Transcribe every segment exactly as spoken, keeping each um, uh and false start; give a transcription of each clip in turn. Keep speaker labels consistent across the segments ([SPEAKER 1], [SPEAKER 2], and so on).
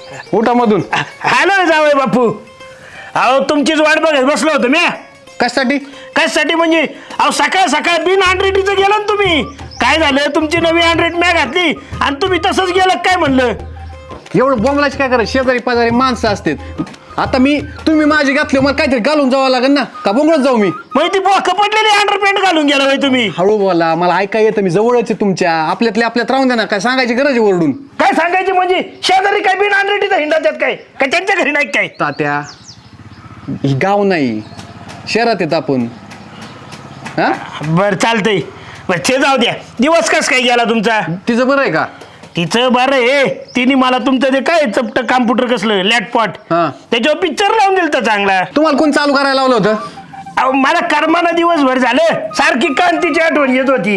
[SPEAKER 1] उठा मधून.
[SPEAKER 2] हॅलो जावई बापू. अहो तुमचीच वाट बघत बसलो होतो मी.
[SPEAKER 1] कशासाठी?
[SPEAKER 2] कशासाठी म्हणजे अहो सकाळ सकाळ बिन हंड्रेडीचं गेलं ना तुम्ही. काय झालं तुमची नवी हंड्रेड मॅ घातली आणि तुम्ही तसंच गेलं काय म्हणलं.
[SPEAKER 1] एवढं बोंबलाच काय करा, शेजारी पाजारी माणसं असतात. आता मी तुम्ही माझी घातली मला काहीतरी घालून जावं लागेल ना, का बोंगळत जाऊ मी?
[SPEAKER 2] मग ती बोक पडलेली अंडरपॅन्ट घालून गेला बाई तुम्ही.
[SPEAKER 1] हळू बोला, मला ऐका येतं, मी जवळच आहे तुमच्या. आपल्यातले आपल्यात राहून द्या ना, काय सांगायची गरज आहे ओरडून?
[SPEAKER 2] काय सांगायचे म्हणजे शेजारी काय बिन हंड्रेडीचा हिंडा त्यात काय काय त्यांच्या घरी नाही काय.
[SPEAKER 1] तात्या ही गाव नाही, शहरात येत आपण. हा
[SPEAKER 2] बरं चालतंय. बरं ते जाऊ द्या. दिवस कस काय गेला तुमचा?
[SPEAKER 1] तिचं बरं आहे का?
[SPEAKER 2] तिचं बरं आहे. तिने मला तुमचं ते काय चपट कॉम्प्युटर कसलं लॅपटॉप
[SPEAKER 1] हा.
[SPEAKER 2] त्याच्यावर पिक्चर लावून दिलं तर चांगला.
[SPEAKER 1] तुम्हाला कोण चालू करायला लावलं होतं?
[SPEAKER 2] अहो मला कर्मानं दिवसभर झालं सारखी कांतीची आठवण येत होती.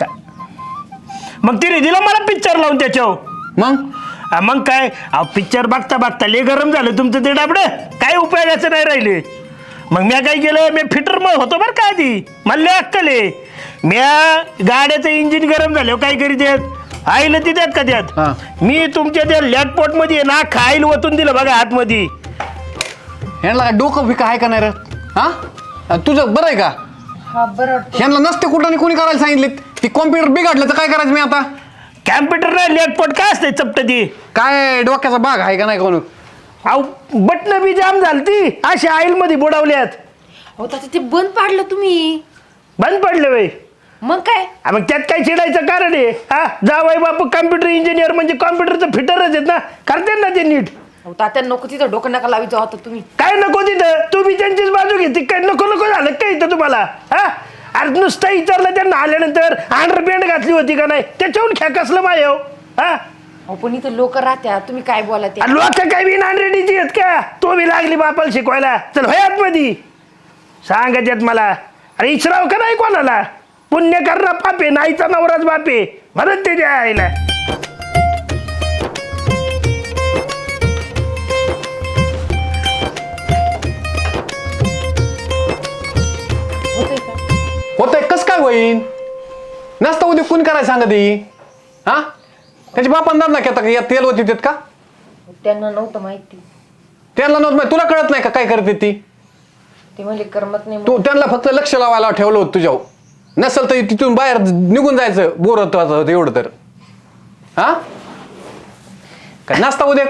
[SPEAKER 2] मग तिने दिलं मला पिक्चर लावून त्याच्यावर.
[SPEAKER 1] मग
[SPEAKER 2] हा, मग काय अहो पिक्चर बघता बघता लय गरम झालं तुमचं ते डाबडं. काय उपयोगाचं नाही राहिले. मग म्या काय केलं, मी फिटर मग होतो बरं का आधी. मला लय अक्कल आहे. म्या गाड्याचं इंजिन गरम झालं काय करीत आहेत आईला ती त्यात का त्यात. मी तुमच्या त्या लॅपटॉप मध्ये ना खाईल ओतून दिलं बघा आतमध्ये.
[SPEAKER 1] ह्यांना डोकं फिका आहे का नाही रे? हा तुझं बरं आहे का? ह्यांना नसते कुठं आणि कोणी करायला सांगितले? ती कॉम्प्युटर बिघडलं तर काय करायचं मी आता?
[SPEAKER 2] कॅम्प्युटर नाही लॅपटॉप काय असते चपट ती.
[SPEAKER 1] काय डोक्याचा भाग आहे का नाही कोण?
[SPEAKER 2] अहो बटन बी जाम झाली ती अशी आईल मध्ये बुडवल्यात.
[SPEAKER 3] अहो तात्या ते बंद पाडलं तुम्ही.
[SPEAKER 2] बंद पडले बाई.
[SPEAKER 3] मग काय?
[SPEAKER 2] मग त्यात काय चिडायचं कारण आहे. हा जावाई बापू कॉम्प्युटर इंजिनियर म्हणजे कॉम्प्युटरचं फिटरच आहेत ना, करते ना ते नीट.
[SPEAKER 3] अहो तात्या नको तिथं डोकं नका लावायचं होतं तुम्ही.
[SPEAKER 2] काय नको तिथं, तू बी त्यांचीच बाजू घेते काय. नको नको झालं काय इथं तुम्हाला. हा अरे नुसतं विचारलं त्यांना आल्यानंतर अंडरपॅन्ट घातली होती का नाही त्याच्याहून खेकसलं माझ्या. हा
[SPEAKER 3] अहो पण इथं लोक राहत्या तुम्ही काय बोला ते.
[SPEAKER 2] लोक काय बी नानरेडीची आहेत का. तो बी लागली बापाला शिकवायला. चल होय आतमध्ये सांगत येत मला. अरे इचराव का नाही कोणाला. पुण्य करणं पापे नाहीचा नवराच बापे म्हणत ते आईला.
[SPEAKER 1] होतंय कस काय होईन? नसतं उद्या कोण करायला सांगत ही? हा त्याची बापान दाब ना घेता या तेल होती देत का?
[SPEAKER 3] त्यांना नव्हतं माहिती.
[SPEAKER 1] त्यांना नव्हतं माहिती. तुला कळत नाही का काय करते ती?
[SPEAKER 3] ते म्हणजे करमत नाही.
[SPEAKER 1] तू त्यांना फक्त लक्ष लावायला ठेवलं होतं तुझ्यावर. नसल तर तिथून बाहेर निघून जायचं बोर होतं एवढं तर. हा काय नसता उद्या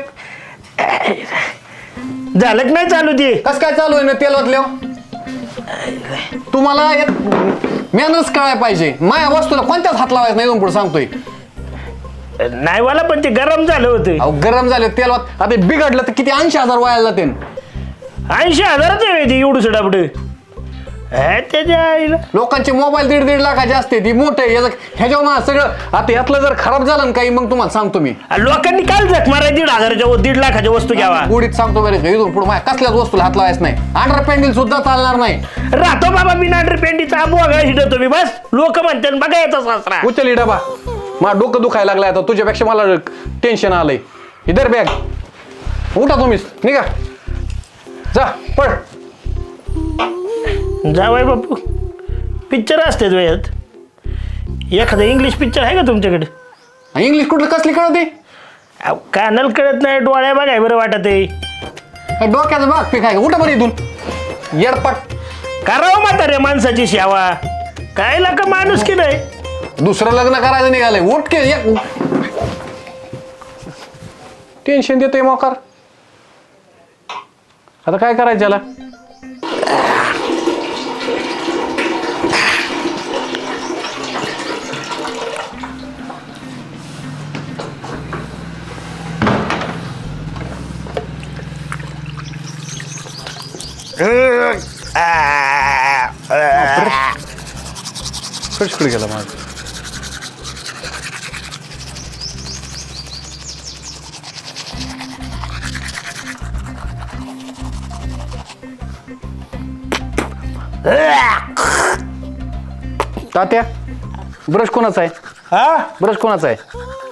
[SPEAKER 2] झालं की नाही चालू ते.
[SPEAKER 1] कस काय चालू आहे ना तेल ओतल्या? तुम्हाला मॅनर्स कळायला पाहिजे. माया वस्तूला कोणत्याच हात लावायचं नाही. पुढे सांगतोय
[SPEAKER 2] नाही मला पण ते गरम झालं होतं.
[SPEAKER 1] अहो गरम झाले तेल आता बिघडलं तर किती ऐंशी हजार व्हायला जाते.
[SPEAKER 2] ऐंशी हजाराच आहे ते एवढं डाबड. त्याच्या आईला
[SPEAKER 1] लोकांचे मोबाईल दीड दीड लाखाचे असते ती मोठे ह्याच्यावर ना सगळं. आता यातलं जर खराब झालं ना काही मग तुम्हाला सांगतो मी.
[SPEAKER 2] लोकांनी काल जख मारा दीड हजाराच्या व दीड लाखाच्या वस्तू घ्यावा.
[SPEAKER 1] गुढीत सांगतो बरे इथून पुढे माझ्या कसल्याच वस्तूला हात लावायचं नाही. अंडर पॅन्डल सुद्धा चालणार नाही.
[SPEAKER 2] राहतो बाबा मी नांडर पेंडीचा बोगा हिडतो मी बस. लोक म्हणतात बघा याचा सासरा.
[SPEAKER 1] उचल डबा. मला डोकं दुखायला लागलाय आता तुझ्यापेक्षा मला टेन्शन आलंय. इधर बॅग उठा तुम्हीच निघा जा पळ.
[SPEAKER 2] जावाय बापू पिक्चर असते वयात. एखादा इंग्लिश पिक्चर आहे का तुमच्याकडे?
[SPEAKER 1] इंग्लिश कुठलं कसली कळते?
[SPEAKER 2] कानाला कळत नाही डोळ्या बघाय बरं वाटत आहे.
[SPEAKER 1] डोक्याचा भाग पीक आहे उठा बरं इथून येडपट.
[SPEAKER 2] करावं म्हाताऱ्या माणसाची सेवा. काय लाका माणूस की नाही.
[SPEAKER 1] दुसरं लग्न करायचं निघालंय. उठ के टेन्शन देतोय मोकार. आता काय करायचं त्याला? फ्रेश कुठे गेला माझा? तात्या ब्रश कोणाचा आहे?
[SPEAKER 2] हा
[SPEAKER 1] ब्रश कोणाचा आहे?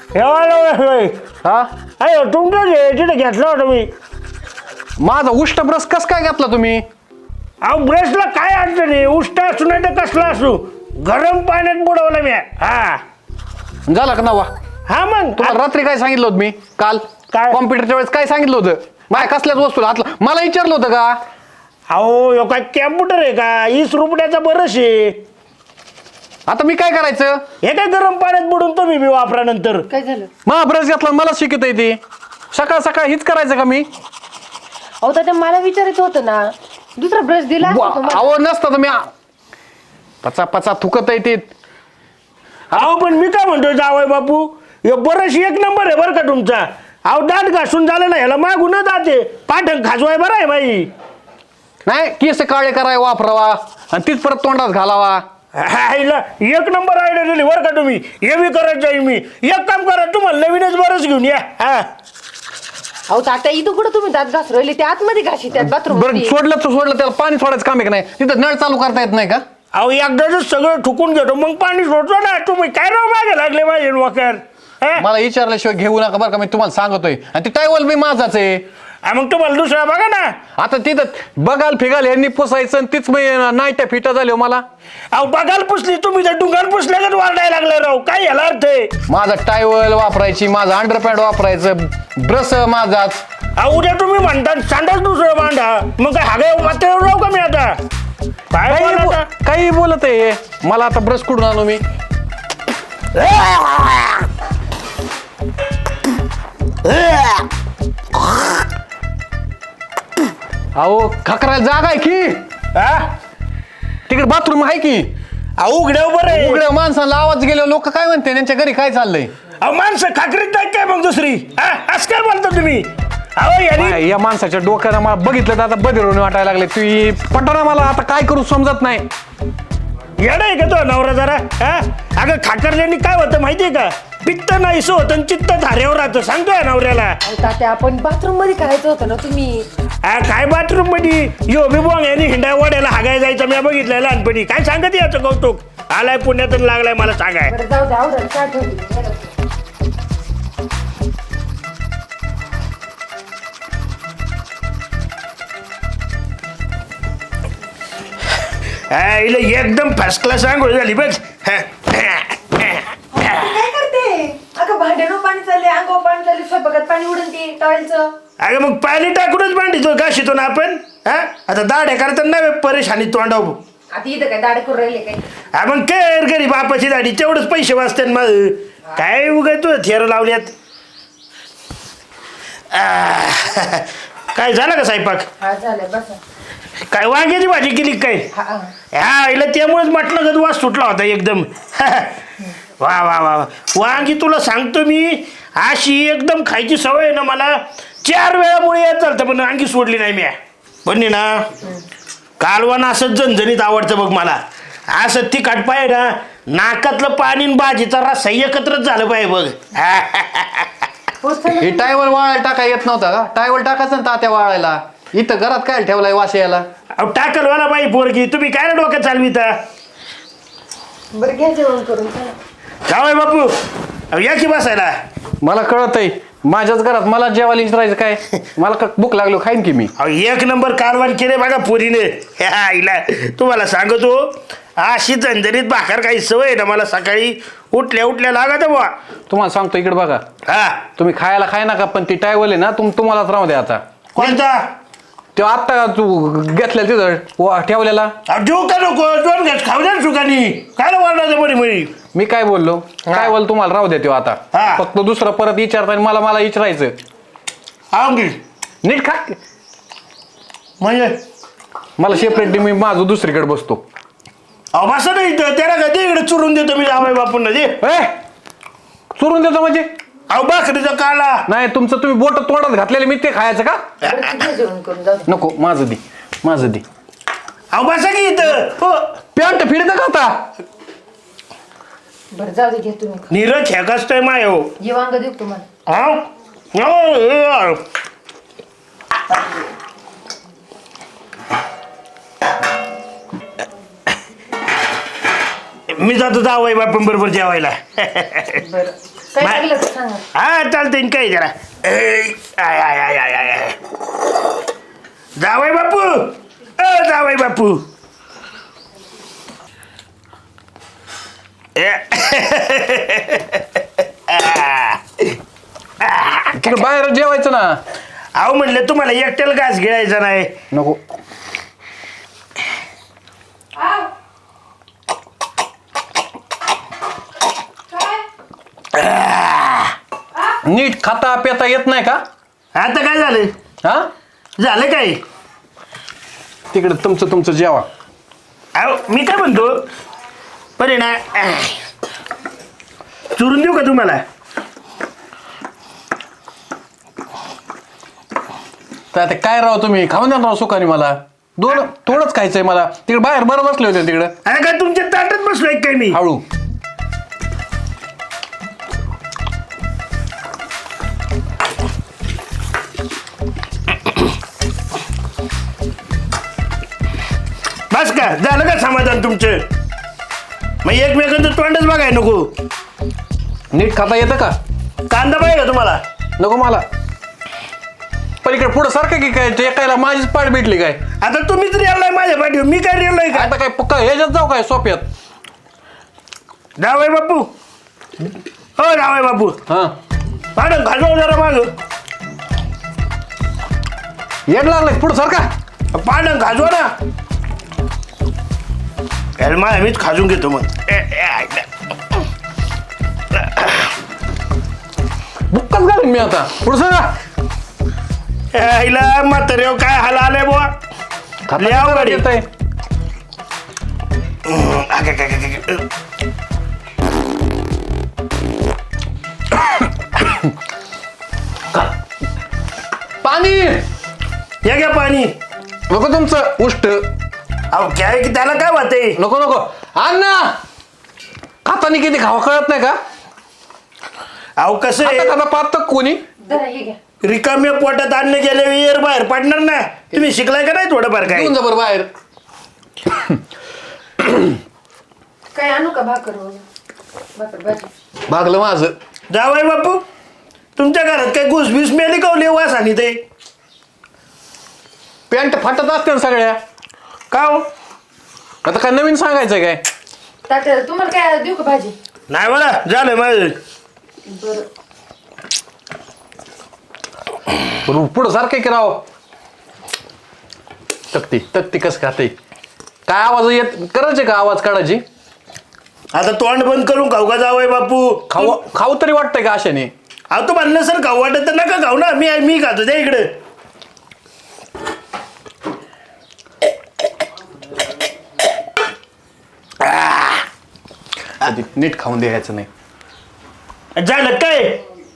[SPEAKER 1] हा
[SPEAKER 2] अरे तुमचं तिथे घेतलं होतं मी.
[SPEAKER 1] माझा उष्ट ब्रश कस काय घेतला तुम्ही?
[SPEAKER 2] अहो ब्रशला काय अडचण आहे. उष्ट असू नाही तर कसला असू गरम पाण्यात बुडवलं मी. हा
[SPEAKER 1] झाला का नवा?
[SPEAKER 2] हा मग
[SPEAKER 1] तुम्हाला रात्री काय सांगितलं होतं मी काल?
[SPEAKER 2] काय?
[SPEAKER 1] कॉम्प्युटरच्या वेळेस काय सांगितलं होतं माझ्या कसल्याच वस्तूला हातला मला विचारलं होतं का
[SPEAKER 2] अहो यो काय कॅम्प्युटर आहे का वीस रुपयाचा बरंच आहे.
[SPEAKER 1] आता मी काय करायचं
[SPEAKER 2] हे काय गरम पाण्यात बुडून तुम्ही बी वापरा नंतर.
[SPEAKER 3] काय झालं?
[SPEAKER 1] मग ब्रश घेतला मला शिकत येते सकाळ सकाळ हीच करायचं का मी
[SPEAKER 3] अहो तात्या मला विचारायचं होतं ना दुसरा ब्रश दिला असता तुम्हाला.
[SPEAKER 1] अहो नसतं तर मी पचा पचा थुकत येते
[SPEAKER 2] अहो पण मी काय म्हणतो जावय बापू हे बरंच एक नंबर आहे बरं का तुमचा. अहो दात घासून झालं ना ह्याला मागून जाते पाठक खाजवाय बरं आहे बाई.
[SPEAKER 1] नाही केस काळे कराय वापरावा आणि तीच परत तोंडात घालावा
[SPEAKER 2] हायला एक नंबर आयडिया दिली बरं का तुम्ही. हे बी करत जाईल मी. एक काम करा तुम्हाला नवीनच बरंच घेऊन या. हा
[SPEAKER 3] अहो तात्या इथं कुठं तुम्ही दात घास राहिले ते आतमध्ये घाशी त्यात बाथरूम
[SPEAKER 1] बरं सोडलं तर सोडलं त्याला पाणी सोडायचं काम आहे का नाही तिथं नळ चालू करता येत नाही का
[SPEAKER 2] अहो एकदाच सगळं ठुकून घेतो मग पाणी सोडतो ना. तुम्ही काय राव मागे लागले माझे वाकर.
[SPEAKER 1] मला विचारल्याशिवाय घेऊ नका बरं का मी तुम्हाला सांगतोय आणि ती टायवल मी माझाच आहे
[SPEAKER 2] मग तुम्हाला दुसरा बघा ना.
[SPEAKER 1] आता तिथं बघाल फिगाल यांनी पुसायचं आणि तीच मी नाईट्या फिटा झाली हो मला
[SPEAKER 2] अहो बघाल पुसली तुम्ही तर डुंगाल पुसल्यागत वाढायला लागले राव. काय याला अर्थ आहे.
[SPEAKER 1] माझा टायवल वापरायची माझं अंडरपॅन्ट वापरायचं ब्रश माझाच
[SPEAKER 2] अहो उद्या तुम्ही म्हणता सांडाच दुसरं मांडा मग काय हागे मात्र राहू का मी आता. काय
[SPEAKER 1] काही
[SPEAKER 2] बोलता?
[SPEAKER 1] बो- काही बोलत आहे मला आता ब्रश कुठून आणू मी अहो खकरायला जागा आहे की
[SPEAKER 2] हा?
[SPEAKER 1] तिकडे बाथरूम आहे की
[SPEAKER 2] अहो उघड्यावर बरं आहे.
[SPEAKER 1] उघड्या माणसाला आवाज गेलो लोक काय म्हणते त्यांच्या घरी काय चाललंय
[SPEAKER 2] अहो माणसं खाकरीत नाही काय मग दुसरी. हा? असं काय बोलता तुम्ही. अहो यांनी
[SPEAKER 1] काय या माणसाच्या डोक्याला मला बघितलं तर आता बदिरून वाटायला लागले तू पटना मला आता काय करू समजत नाही
[SPEAKER 2] येडा आहे का तो नवरा जरा. हा अगं खाकरल्याने काय होतं माहितीये का पित्त नाहीसं होतं आणि चित्त धाऱ्यावर राहतं सांगतोय नवऱ्याला.
[SPEAKER 3] अहो तात्या आपण बाथरूम मध्ये करायचं होतं ना तुम्ही.
[SPEAKER 2] हा, काय बाथरूम मध्ये यो बिबोंग यांनी हिंडा वाड्याला हागाय जायचं मी बघितलंय लहानपणी. काय सांगत याचं कौतुक. आलाय पुण्यातून लागलाय मला सांगाय.
[SPEAKER 3] बरं जाऊ द्या आवडेल काय ठेवली.
[SPEAKER 2] हा, हिला एकदम फर्स्ट क्लास आंघोळ झाली बघ. हा.
[SPEAKER 3] काय करते अगं भांड्यानं पाणी चालले अंगावर पाणी चालले स्वयंपाकात पाणी उडून ते टॉयलचं.
[SPEAKER 2] अगं मग पाणी टाकूनच मांडितो घाशितो ना आपण. हा आता दाढ्या करता नव्हे परेशानी तोंडाव.
[SPEAKER 3] आता इथं काय दाडे करून राहिले काय.
[SPEAKER 2] हा मग कर घरी बापाची दाढी तेवढंच पैसे वाचतात मग. काय उगा तू थेर लावल्यात. आ, काय झालं का स्वयंपाक.
[SPEAKER 3] हा झालंय बस.
[SPEAKER 2] काय वांग्याची भाजी केली काय.
[SPEAKER 3] हा हा.
[SPEAKER 2] हा हिला त्यामुळेच म्हटलं का वास सुटला होता एकदम. वा वा वा वा. वांगी तुला सांगतो मी अशी एकदम खायची सवय आहे ना मला. चार वेळामुळे येत चालतं पण वांगी सोडली नाही मी. पण ना कालवान असं झणझणीत आवडतं बघ मला. असं तिखट पाहिजे ना नाकातलं पाणी आणि भाजीचा रस्सा एकत्रच झालं पाहिजे बघ.
[SPEAKER 1] हे टायवल वाळायला टाका येत नव्हता का टायवल टाकायचं ना तात्या वाळायला इथं घरात काय ठेवलाय वास यायला
[SPEAKER 2] अहो टाकल वाला बाई पोरगी तुम्ही काय ना डोक्यात चालविता.
[SPEAKER 3] बरं घ्या जेवण करून चला.
[SPEAKER 2] जावय बापू अहो या की बसायला.
[SPEAKER 1] मला कळत आहे माझ्याच घरात मला जेवायला विचारायचं काय मला का भूक लागलो खाईन की मी
[SPEAKER 2] अहो एक नंबर कारवान केले बघा पोरीने. ह्या आईला तुम्हाला सांगतो अशी झंझणीत भाकर काही सवय आहे ना मला सकाळी उठल्या उठल्या लागत बुवा.
[SPEAKER 1] तुम्हाला सांगतो इकडे बघा
[SPEAKER 2] हा
[SPEAKER 1] तुम्ही खायला खाय नका पण ती टायवल आहे ना तुम तुम्हालाच राहू द्या आता
[SPEAKER 2] कोणता
[SPEAKER 1] तो आत्ता तू घेतलेला तिथं वा- ठेवलेला
[SPEAKER 2] अहो, देऊ का नको दोन घास खाऊ द्या ना सुखानी. काय वाढणार बरी म्हणी.
[SPEAKER 1] मी काय बोललो काय बोल तुम्हाला राहू द्या तो आता
[SPEAKER 2] हा.
[SPEAKER 1] फक्त दुसरं परत विचारता आणि मला मला विचारायचं
[SPEAKER 2] आवडी
[SPEAKER 1] नीट खा
[SPEAKER 2] म्हणजे
[SPEAKER 1] मला सेपरेट मी माझं दुसरीकडे बसतो
[SPEAKER 2] अहो बसा नाही इथं त्याला का दे इकडे चुरून देतो मी जावय बापूंना दे.
[SPEAKER 1] ए चुरून देतो म्हणजे
[SPEAKER 2] अहो भाकरीचा काला.
[SPEAKER 1] नाही तुमचं तुम्ही बोट तोंडात घातलेले मी ते खायचं का
[SPEAKER 3] बरं तू घ्या जेवण करून जाऊ दे.
[SPEAKER 1] नको माझं दे माझं दे
[SPEAKER 2] अहो बसा की इथं. हो
[SPEAKER 1] पॅन्ट फिरतं का आता
[SPEAKER 3] बरं जाऊ दे घ्या तुम्ही.
[SPEAKER 2] नीरज ह्या कसतोय माय हो.
[SPEAKER 3] ये वांग देऊ तुम्हाला.
[SPEAKER 2] हा हो, हे यार. मी जातो जावय बापून बरोबर जेवायला.
[SPEAKER 3] बरं काय
[SPEAKER 2] बाय.
[SPEAKER 3] लागलं तर सांगा.
[SPEAKER 2] हा चालतंय काय जरा ए, आय आय आय आय आय आय. जावय बापू अ जावय बापू ए. आ. आ.
[SPEAKER 1] तिकडे बाहेर जेवायचं ना.
[SPEAKER 2] अहो म्हणले तुम्हाला एकट्याला घास गिळायचा नाही.
[SPEAKER 1] नको.
[SPEAKER 3] आव. काय
[SPEAKER 1] नीट खाता पेता येत नाही का?
[SPEAKER 2] आता काय झालं?
[SPEAKER 1] हा
[SPEAKER 2] झालं काय?
[SPEAKER 1] तिकडे तुमचं तुमचं जेवा.
[SPEAKER 2] अहो मी काय म्हणतो बरे ना चुरून देऊ का तुम्हाला?
[SPEAKER 1] तर आता काय राव तुम्ही खाऊन द्या राव सुखाने. मला दोन थोडंच खायचंय मला. तिकडे बाहेर बरं बसले होते तिकडे.
[SPEAKER 2] अरे काय तुमच्या ताटात बसलोय काय मी?
[SPEAKER 1] हळू.
[SPEAKER 2] बस का झालं का समाधान तुमचं? मग एकमेकांचं तोंडच बघाय नको.
[SPEAKER 1] नीट खाता येतं का?
[SPEAKER 2] कांदा पाहिजे का तुम्हाला?
[SPEAKER 1] नको मला. पण इकडे पुढं सारखं की काय ते एकायला माझीच पाठ भेटली काय?
[SPEAKER 2] आता तुम्हीच रेललाय माझ्या पाठीवर, मी काय रेललोय का?
[SPEAKER 1] आता काय पक्का ह्याच्यात जाऊ काय सोप्यात?
[SPEAKER 2] जावय बापू, हो जावय बापू,
[SPEAKER 1] हा
[SPEAKER 2] मॅडम घालव जरा माग.
[SPEAKER 1] येड लागलाय पुढं सारखा.
[SPEAKER 2] पानं खाजवा ना. मा मीच खाजून घेतो मग.
[SPEAKER 1] बुक्काच घालीन मी आता. पुढं सगळा
[SPEAKER 2] आईला म्हातारे काय हाल आले बुवा. लय अवघड
[SPEAKER 1] येत
[SPEAKER 2] आहे.
[SPEAKER 1] पाणी
[SPEAKER 2] हे घ्या पाणी.
[SPEAKER 1] नको तुमचं उष्ट.
[SPEAKER 2] अहो काय की त्याला काय वाटते?
[SPEAKER 1] नको नको अण्णा. खातानी किती खावा कळत नाही का?
[SPEAKER 2] अहो कसं
[SPEAKER 1] खाता
[SPEAKER 2] आहे,
[SPEAKER 1] खाता पाहत कोणी.
[SPEAKER 3] जरा हे घ्या.
[SPEAKER 2] रिकाम्या पोटात अन्न गेले वेळेवर बाहेर पडणार ना. तुम्ही शिकलाय का नाही थोडंफार काय?
[SPEAKER 1] घेऊन जा बरं बाहेर.
[SPEAKER 3] काय आणू का भाकर वगैरे? भाकर भाजी.
[SPEAKER 1] भागलं माझं.
[SPEAKER 2] जावय बापू, तुमच्या घरात काय घुसबीस मेली कवली वास आणि ते
[SPEAKER 1] पॅन्ट फाटत असते ना सगळ्या.
[SPEAKER 2] का हो?
[SPEAKER 1] आता काय नवीन सांगायचंय काय?
[SPEAKER 3] तात्या तुम्हाला काय देऊ का भाजी?
[SPEAKER 2] नाही मला झालं माझं.
[SPEAKER 3] बरं.
[SPEAKER 1] पुढं सारखं की राव. तक्ती तक्ती कसं खाते? काय आवाज येत करायचे का? आवाज काढायची.
[SPEAKER 2] आता तोंड बंद करून खाऊ का जावय बापू?
[SPEAKER 1] खाऊ खाऊ तरी वाटतंय का अशाने?
[SPEAKER 2] अहो तू म्हणलं सर खाऊ वाटत तर नका खाऊ ना. मी मी खातो त्या इकडे.
[SPEAKER 1] कधी नीट खाऊन द्यायचं नाही.
[SPEAKER 2] झालं काय?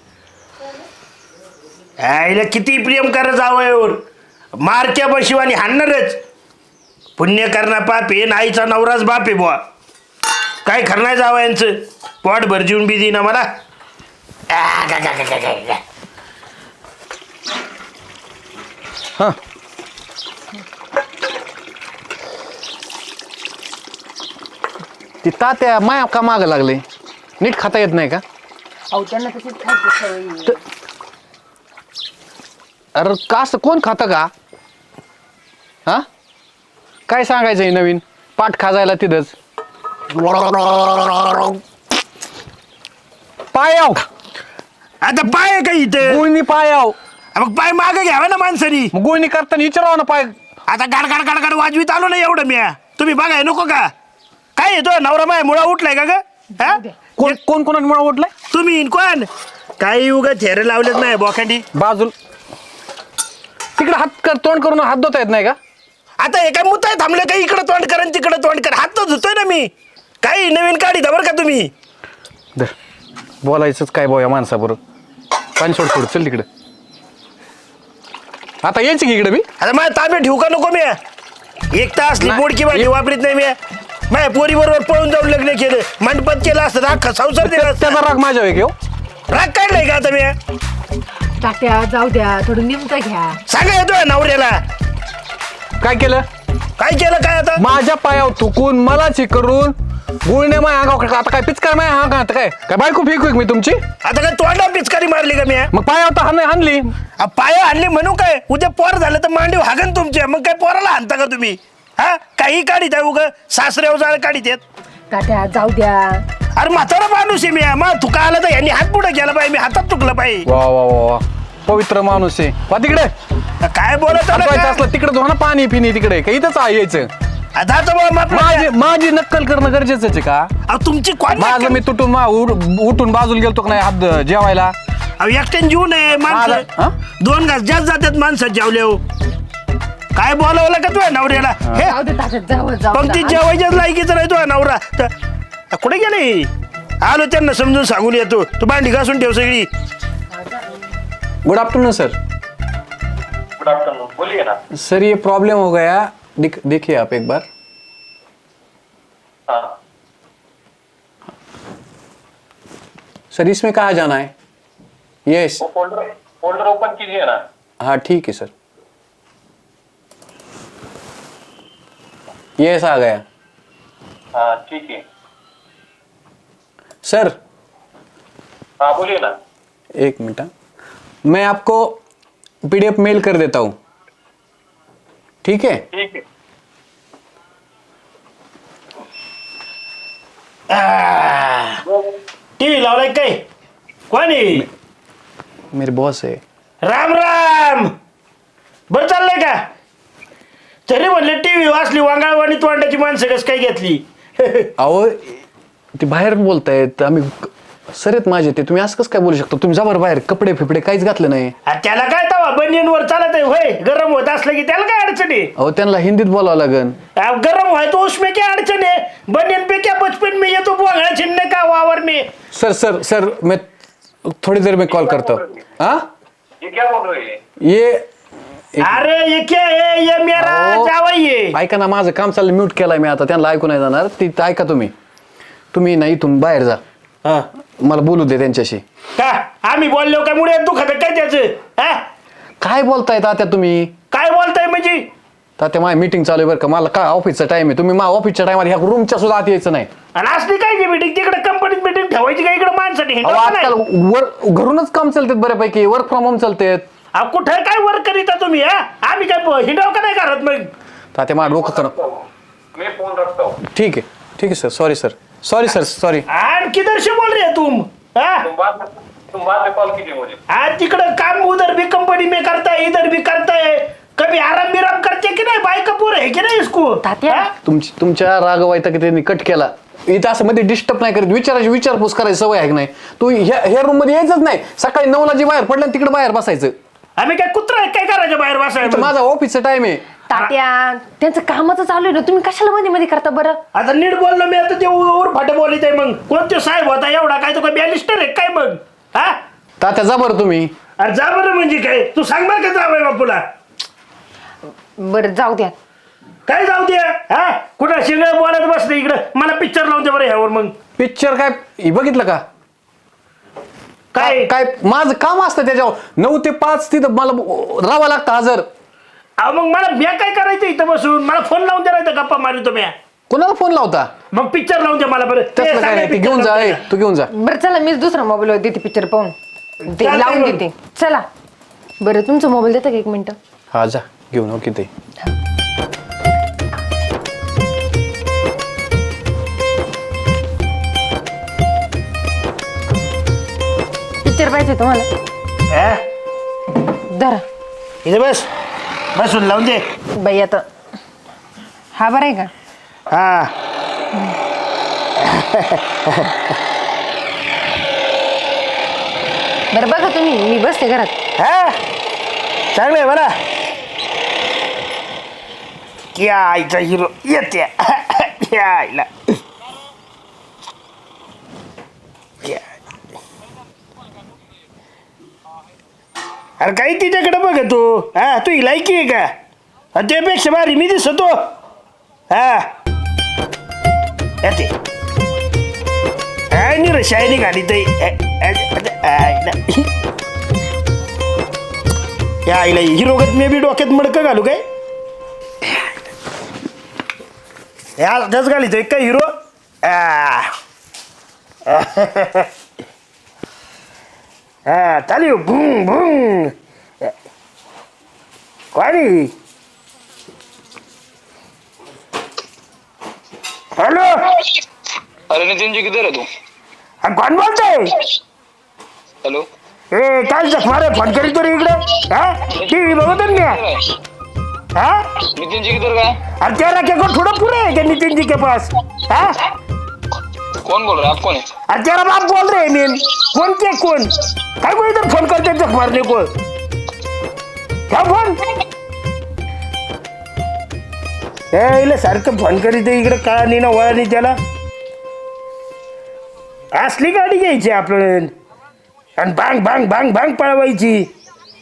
[SPEAKER 2] आईला किती प्रेम करा जावयावर. मारक्या बशिवानी हाणणारच. पुण्य करणा पाप आहे. नाईचा नवराच बाप आहे बुवा. काय करणार जावयांचं? पोट भर जीवन बी ना मला. आ, गा, गा, गा, गा, गा, गा.
[SPEAKER 1] हा ती तात्या माया का माग लागले? नीट खाता येत नाही का?
[SPEAKER 3] अहो त्यांना तशीच खायची सवय.
[SPEAKER 1] अरे का असं कोण खातं का? हा काय सांगायचंय नवीन? पाठ खाजायला तिथंच. पायाव
[SPEAKER 2] आता पाय आहे का इथे?
[SPEAKER 1] गुळणी पायाव.
[SPEAKER 2] मग पाय मागे घ्यावा ना माणसानी.
[SPEAKER 1] मग गुळणी करताना विचारावं ना पाय.
[SPEAKER 2] आता गाड गाड गाड गाड वाजवीत आलो ना एवढं मी. तुम्ही बघाय नको का? काय येतो नवरा माय मुळा उठलाय का ग? हा?
[SPEAKER 1] कोण कोण कोणाला मला ओढलाय?
[SPEAKER 2] तुम्ही इन कोण? काही उगा थेरे लावलेत नाही बोखांडी.
[SPEAKER 1] बाजूल तिकडे हात कर तोंड करून हात धुता येत नाही का?
[SPEAKER 2] आता हे काय मुताय थांबले काही इकडं तोंड कर तिकडं तोंड कर. हात तर धुतोय ना मी. काही नवीन काढी बरं का तुम्ही.
[SPEAKER 1] धर बोलायचंच काय बोया माणसाबरोबर. पाणी सोड सोड चल तिकडे. आता यायची की इकडे मी.
[SPEAKER 2] आता माझ्या ताब्यात ठेवू का नको मी? एक तास
[SPEAKER 1] नाही.
[SPEAKER 2] मोडकी भाजी वापरीत नाही मी. माझ्या पोरी बरोबर पळून जाऊन लग्न केलं. मंडपात केलं असतं अख्खा संसार दिला असता.
[SPEAKER 1] त्याचा राग माझ्या वेग.
[SPEAKER 2] राग काढलाय का आता मी?
[SPEAKER 3] तात्या जाऊ द्या, थोडं नेमकं घ्या.
[SPEAKER 2] सांगा येतोय नवऱ्याला.
[SPEAKER 1] काय केलं?
[SPEAKER 2] काय केलं काय आता?
[SPEAKER 1] माझ्या पायावर थुकून मला करून गुळणे माय अंगावर. आता काय पिचकार माय हा आता काय काय बायको फेकू मी तुमची?
[SPEAKER 2] आता काय तोंडा पिचकारी मारली का मी?
[SPEAKER 1] मग पायावर तर हाण हाणली.
[SPEAKER 2] पाय आणली म्हणू काय? उद्या पोर झालं तर मांडीव हागन तुमच्या. मग काय पोराला हाणता का तुम्ही? हा काही काढीत आहे उग सासऱ्यावर जाळ काढीत येत.
[SPEAKER 3] तात्या जाऊ द्या.
[SPEAKER 2] अरे म्हातारा माणूस आहे मी मग तू का आला तर यांनी हात पुढे गेला पाहिजे मी हातात चुकलं पाहिजे.
[SPEAKER 1] वा वा वा वा पवित्र माणूस आहे. वा तिकडे
[SPEAKER 2] काय बोलत आला
[SPEAKER 1] थांबवायचं
[SPEAKER 2] का?
[SPEAKER 1] असलं तिकडे धो ना पाणी पिणी तिकडे काही इथंच आहे यायचं.
[SPEAKER 2] आता तर बुवा मग
[SPEAKER 1] माझी माझी नक्कल करणं गरजेचं आहे का?
[SPEAKER 2] अहो, तुमची कोण
[SPEAKER 1] माझं मी तुटून मा- उड- उठून बाजूला गेलतो का नाही हात जेवायला.
[SPEAKER 2] अहो, एकट्याने जीव नये
[SPEAKER 1] माझं-
[SPEAKER 2] माणसं
[SPEAKER 1] हा?
[SPEAKER 2] दोन घास जास्त जातात माणसं जेवले हो. काय बोलावलं का तुझ्या नवऱ्याला हे
[SPEAKER 3] जाऊ दे तात्या जाऊ जाऊ
[SPEAKER 2] पंक्ती
[SPEAKER 3] द्या.
[SPEAKER 2] जेवायच्याच लायकीचा नाही तुझा नवरा तर कुठे गेले आलो त्यांना समजून सांगून येतो तू भांडी घासून ठेव सगळी.
[SPEAKER 1] Good afternoon sir.
[SPEAKER 4] Good afternoon बोलिए ना.
[SPEAKER 1] सर ये प्रॉब्लम हो गया दिख, देखिए आप एक बार.
[SPEAKER 4] हाँ
[SPEAKER 1] सर इसमें कहाँ जाना है? यस
[SPEAKER 4] वो फोल्डर फोल्डर ओपन कीजिए ना.
[SPEAKER 1] हाँ ठीक है सर. यस आ गया.
[SPEAKER 4] हाँ ठीक है.
[SPEAKER 1] सर
[SPEAKER 4] हाँ बोलिए ना.
[SPEAKER 1] एक मिनट हाँ. मैं आपको पीडीएफ मेल कर देता हूँ. ठीक है.
[SPEAKER 4] ठीक है.
[SPEAKER 2] टीव्ही लावलाय काय कोणी
[SPEAKER 1] मेरे बॉस है.
[SPEAKER 2] राम राम बर चाललंय का तरी म्हणलं टीव्ही वाचली वांगाळवाणी तोंडाची माणसं कस काय घेतली.
[SPEAKER 1] अहो ते बाहेर बोलतायत आम्ही सर आहेत माझे ते तुम्ही असं कसं काय बोलू शकता? तुम्ही जा बरं बाहेर कपडे फिपडे काहीच घातलं नाही.
[SPEAKER 2] आ, त्याला काय तवा बनियनवर चालत आहे होय गरम होत असलं की त्याला काय अडचण आहे.
[SPEAKER 1] अहो त्यांना हिंदीत बोलावं लागन.
[SPEAKER 2] आ, गरम व्हाय तो उसमें क्या अडचण है बनियन पे क्या बचपन में ये तो बोंगड़ा छिनने का वावर में.
[SPEAKER 1] सर सर सर मैं थोड़ी देर में कॉल करता हूँ. हाँ
[SPEAKER 4] ये क्या बोल रहे हैं?
[SPEAKER 1] ये एक-
[SPEAKER 2] अरे ये क्या है ये मेरा
[SPEAKER 1] अहो,
[SPEAKER 2] जावई आहे.
[SPEAKER 1] ऐका ना माझं काम चाललं म्यूट केलंय मी आता त्यांना ऐकू नाही जाणार. ती ऐका तुम्ही तुम्ही ना इथून बाहेर जा.
[SPEAKER 2] हा.
[SPEAKER 1] मला बोलू दे त्यांच्याशी.
[SPEAKER 2] का आम्ही बोललो काय मुळे दुखत काय त्याचं हा?
[SPEAKER 1] काय बोलताय तात्या तुम्ही?
[SPEAKER 2] काय बोलताय म्हणजे
[SPEAKER 1] तात्या माझी मीटिंग चालू आहे बरं का. मला काय ऑफिसचा टाइम आहे. तुम्ही माझ्या ऑफिसच्या टाइमात ह्या रूमच्या सुद्धा आत यायचं नाही.
[SPEAKER 2] आणि असली काय मीटिंग तिकडे कंपनीत मीटिंग ठेवायची का इकडे माणसाठी
[SPEAKER 1] अहो आजकाल वर घरूनच काम चालतात बऱ्यापैकी. वर्क फ्रॉम होम चालतात.
[SPEAKER 2] कुठे काय वर्क करीता तुम्ही हा आम्ही काय हिंडाव का नाही करत मग.
[SPEAKER 1] तात्या माझं डोकं करा.
[SPEAKER 4] मैं फोन रखता हूँ.
[SPEAKER 1] ठीक है ठीक है sir. Sorry sir sorry sir sorry.
[SPEAKER 2] आणि किधर से बोल रहे तुम हा
[SPEAKER 4] तुम बाद में तुम बाद में कॉल कीजिए मुझे.
[SPEAKER 2] आज तिकडं काम उधर भी कंपनी में करता है इधर भी करता है कभी आराम बिराम करते की नाही बायका पोर है की नाही इसको
[SPEAKER 3] तात्या.
[SPEAKER 2] हा?
[SPEAKER 1] तुमची तुमच्या रागवायता की त्यांनी कट केला. इथं असं मध्ये डिस्टर्ब नाही करत. विचारायची विचारपूस करायची सवय आहे की नाही? तू ह्या ह्या रूम मध्ये यायचंच नाही. सकाळी नऊला जी बाहेर पडलं तिकडे बाहेर बसायचं.
[SPEAKER 2] आम्ही काय कुत्रा आहे काय करायचं बाहेर
[SPEAKER 1] इथं
[SPEAKER 2] बसायचं.
[SPEAKER 1] माझा ऑफिसचा टाइम आहे.
[SPEAKER 3] तात्या त्यांचं कामाचं चालू आहे ना तुम्ही कशाला मध्ये मध्ये करता बरं.
[SPEAKER 2] आता नीट बोललो मी आता ते वर फाटे बोलित आहे मग कोणते साहेब होता एवढा काय तो काय बॅलिस्टर आहे काय मग हा
[SPEAKER 1] तात्या जा बरं तुम्ही.
[SPEAKER 2] अरे जा बरं म्हणजे काय तू सांग बरं का जावय बापूला
[SPEAKER 3] बरं जाऊ द्या.
[SPEAKER 2] काय जाऊ दे हा कुठं शिंगळ बोलत बसते इकडं मला पिक्चर लावून दे बरं ह्यावर मग
[SPEAKER 1] पिक्चर काय हे बघितलं का?
[SPEAKER 2] काय
[SPEAKER 1] काय माझं काम असतं त्याच्यावर. नऊ ते पाच तिथं मला राहावं लागतं हजर.
[SPEAKER 2] अहो मग मला म्या काय करायचं इथं बसून मला फोन लावून द्यायला गप्पा मारतो म्या
[SPEAKER 1] कोणाला फोन लावता?
[SPEAKER 2] मग पिक्चर लावून दे मला बरं ते
[SPEAKER 1] तसलं काय
[SPEAKER 2] सांगा
[SPEAKER 1] नाही. ते
[SPEAKER 2] picture
[SPEAKER 1] घेऊन जा.
[SPEAKER 2] लावून
[SPEAKER 1] ए,
[SPEAKER 2] द्या.
[SPEAKER 1] तू घेऊन जा.
[SPEAKER 3] बरं चला मीच दुसरा मोबाईल देते पिक्चर पाहून ते
[SPEAKER 2] चालतंय
[SPEAKER 3] लावून
[SPEAKER 2] मग.
[SPEAKER 3] देते. चला बरं तुमचा मोबाईल देता का एक मिनिट.
[SPEAKER 1] हा जा घेऊन हो किती.
[SPEAKER 3] पिक्चर पाहिजे तुम्हाला
[SPEAKER 2] हा?
[SPEAKER 3] धरा
[SPEAKER 2] इथे बस बसून लावून दे
[SPEAKER 3] बाई आता. हा बरं आहे का?
[SPEAKER 2] हा
[SPEAKER 3] बरं बघा तुम्ही मी बसते घरात.
[SPEAKER 2] हा चांगलं आहे बरं क्या आईचा हिरो येते क्या आईला अरे काही तिच्याकडे बघ तू हा तू लायकी आहे का आणि त्यापेक्षा भारी मी दिसतो हा येते नि रशायनी गाडी या आईला हिरोगत मी बी डोक्यात मडकं घालू काय या त्याच घालितोय काय हिरो हा चालू भुंग भुंग कोणी हॅलो
[SPEAKER 5] अरे नितिन जी किधर है तू?
[SPEAKER 2] अरे कोण बोलतोय?
[SPEAKER 5] हेलो.
[SPEAKER 2] ए काय जख मारे फोन करीत रे इकडे हा टीव्ही बघतो ना मी हा
[SPEAKER 5] नितिन जी किधर गए?
[SPEAKER 2] अरे तेरा क्या को थोड़ा पूरे है क्या नितिन जी के पास हाँ
[SPEAKER 5] कौन बोल रहा है? आप कौन है?
[SPEAKER 2] अरे तेरा बाप बोल रहे हैं मीन कौन के कौन काय को इधर फोन करते जख मारने को क्या फोन ए इले सारखं फोन करीत आहे इकडे का नाही ना वळा नाही त्याला असली गाडी घ्यायची आपण आणि भांग भांग भांग भांग पळवायची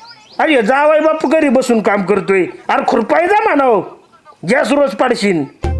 [SPEAKER 2] अरे जावाय बापू घरी बसून काम करतोय अरे खुरपाय जा म्हणाव गॅस रोज पाडशीन